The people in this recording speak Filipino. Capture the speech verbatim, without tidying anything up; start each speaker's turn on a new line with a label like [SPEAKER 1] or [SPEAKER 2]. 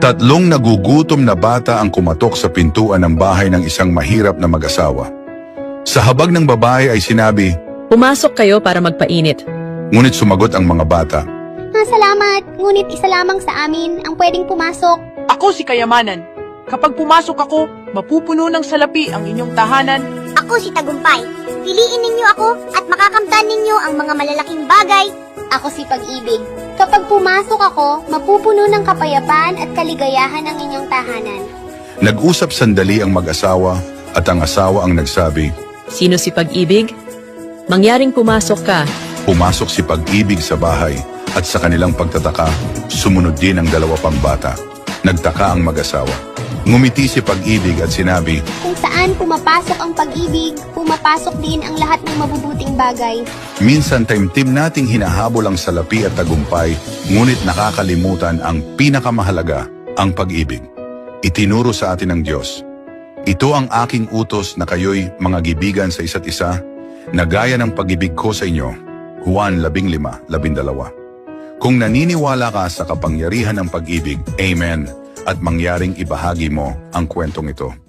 [SPEAKER 1] Tatlong nagugutom na bata ang kumatok sa pintuan ng bahay ng isang mahirap na mag-asawa. Sa habag ng babae ay sinabi,
[SPEAKER 2] Pumasok kayo para magpainit.
[SPEAKER 1] ngunit sumagot ang mga bata.
[SPEAKER 3] Ah, salamat, ngunit isa lamang sa amin ang pwedeng pumasok.
[SPEAKER 4] Ako si Kayamanan. Kapag pumasok ako, mapupuno ng salapi ang inyong tahanan.
[SPEAKER 5] Ako si Tagumpay. Piliin ninyo ako at makakamtan ninyo ang mga malalaking bagay.
[SPEAKER 3] Ako si Pag-ibig. Kapag pumasok ako, mapupuno ng kapayapaan at kaligayahan ang inyong tahanan.
[SPEAKER 1] Nag-usap sandali ang mag-asawa at ang asawa ang nagsabi.
[SPEAKER 2] Sino si Pag-ibig? Mangyaring pumasok ka.
[SPEAKER 1] Pumasok si Pag-ibig sa bahay at sa kanilang pagtataka, sumunod din ang dalawa pang bata. Nagtaka ang mag-asawa. Ngumiti si Pag-ibig at sinabi,
[SPEAKER 3] Kung saan pumapasok ang pag-ibig, pumapasok din ang lahat ng mabubuting bagay.
[SPEAKER 1] minsan taimtim nating hinahabol ang salapi at tagumpay, ngunit nakakalimutan ang pinakamahalaga, ang pag-ibig. Itinuro sa atin ng Diyos. Ito ang aking utos na kayo'y mga gibigan sa isa't isa, na gaya ng pag-ibig ko sa inyo. Juan labing lima, labindalawa. Kung naniniwala ka sa kapangyarihan ng pag-ibig, Amen, at mangyaring ibahagi mo ang kwentong ito.